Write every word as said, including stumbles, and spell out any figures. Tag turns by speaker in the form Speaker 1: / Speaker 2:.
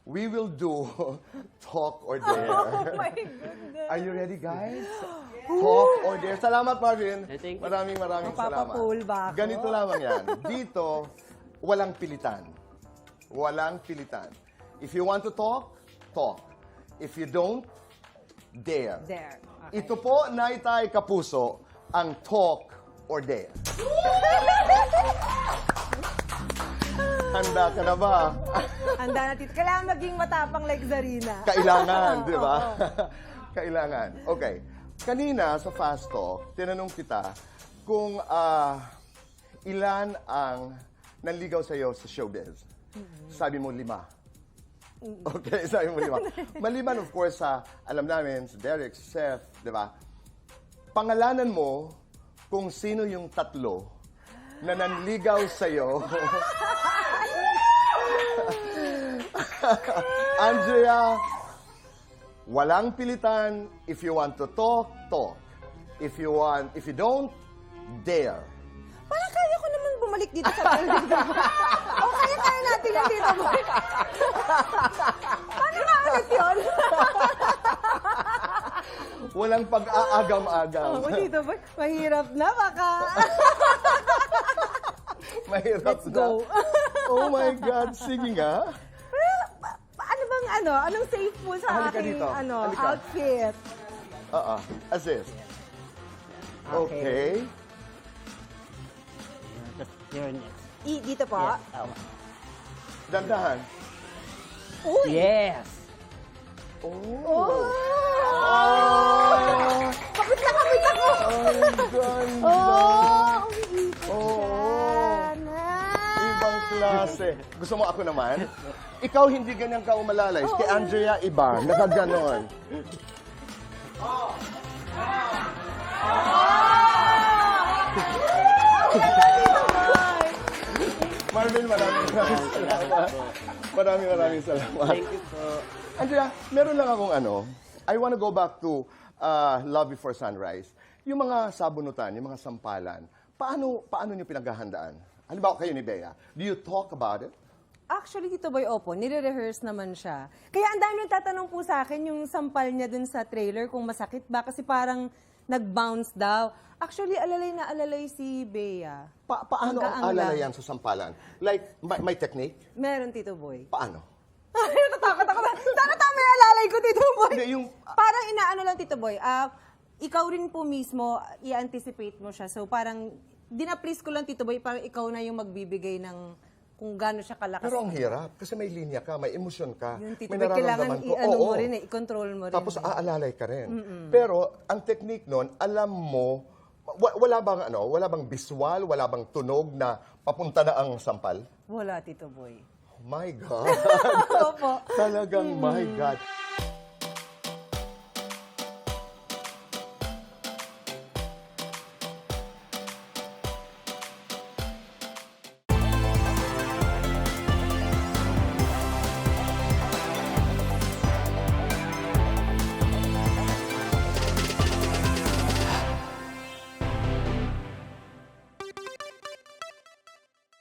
Speaker 1: we will do Talk or Dare.
Speaker 2: Oh my goodness.
Speaker 1: Are you ready, guys? Talk or Dare. Salamat, Marvin.
Speaker 3: I think-
Speaker 1: Maraming maraming salamat.
Speaker 2: Mapapapool ba ako?
Speaker 1: Ganito lamang yan. Dito, walang pilitan. Walang pilitan. If you want to talk, talk. If you don't, dare.
Speaker 2: There. Okay.
Speaker 1: Ito po, Naitay Kapuso, ang Talk or Dare. Handa ka na ba?
Speaker 2: Handa na, Tito. Kailangan maging matapang like Zarina.
Speaker 1: Kailangan, di ba? Kailangan. Okay. Kanina sa Fast Talk, tinanong kita kung ah, ilan ang nanligaw sa'yo sa showbiz. Sabi mo lima. Okay, sabi mo lima. Maliban, of course, sa alam namin, si Derek, si Seth, di ba? Pangalanan mo kung sino yung tatlo na nanligaw sa'yo. Andrea, walang pilitan. If you want to talk, talk. If you want, if you don't, dare.
Speaker 2: Parang kaya ko naman bumalik dito sa building. O kaya kaya natin yung dito mo. Paano nga ulit yun?
Speaker 1: Walang pag-aagam-agam.
Speaker 2: Oo, dito ba? Mahirap na baka.
Speaker 1: Mahirap
Speaker 2: Let's
Speaker 1: na.
Speaker 2: go.
Speaker 1: Oh my God, sige nga.
Speaker 2: Pa- Ano bang ano? Anong safe mo sa
Speaker 1: Halika
Speaker 2: aking
Speaker 1: dito.
Speaker 2: ano,
Speaker 1: Halika.
Speaker 2: outfit?
Speaker 1: Oo, assist. Okay.
Speaker 3: You're next.
Speaker 2: I, dito po?
Speaker 3: Yes, tama.
Speaker 1: Dandahan.
Speaker 2: Uy!
Speaker 3: Yes!
Speaker 1: Oh.
Speaker 2: Oh! Kapit na kapit ako!
Speaker 1: Ang ganda.
Speaker 2: Oh! Umiikot
Speaker 1: Oo.
Speaker 2: siya. Nice.
Speaker 1: Ibang klase. Gusto mo ako naman? Ikaw hindi ganyan ka umalalay. Kay Andrea, iba. Nakaganon. Marvin, maraming maraming salamat. Maraming maraming salamat.
Speaker 3: Thank you po.
Speaker 1: Andrea, meron lang akong ano. I wanna go back to uh, Love Before Sunrise. Yung mga sabunutan, yung mga sampalan, paano paano niyo pinaghahandaan? Halimbawa kayo ni Bea, do you talk about it?
Speaker 2: Actually, Tito Boy, opo, nire-rehearse naman siya. Kaya ang dami nagtatanong po sa akin yung sampal niya dun sa trailer kung masakit ba kasi parang nag-bounce daw. Actually, alalay na alalay si Bea.
Speaker 1: Pa paano ang
Speaker 2: Hanggang
Speaker 1: alalayan sa sampalan? Like, may, may technique?
Speaker 2: Meron, Tito Boy.
Speaker 1: Paano?
Speaker 2: Ay, natatakot ako na. Sana tama yung alalay ko, Tito Boy.
Speaker 1: Hindi, yung...
Speaker 2: Parang inaano lang, Tito Boy. Ah, ikaw rin po mismo, i-anticipate mo siya. So parang, dinaplease ko lang, Tito Boy, parang ikaw na yung magbibigay ng kung gaano siya kalakas.
Speaker 1: Pero ang hirap, kasi may linya ka, may emosyon ka,
Speaker 2: Yun, Tito
Speaker 1: may
Speaker 2: Boy, kailangan
Speaker 1: nararamdaman ko.
Speaker 2: i-ano
Speaker 1: Oo.
Speaker 2: mo rin eh, i-control mo rin.
Speaker 1: Tapos
Speaker 2: eh.
Speaker 1: aalalay ka rin. Pero ang technique nun, alam mo, wa- wala bang ano, wala bang visual, wala bang tunog na papunta na ang sampal?
Speaker 2: Wala, Tito Boy.
Speaker 1: My God.
Speaker 2: Opo.
Speaker 1: Talagang my God.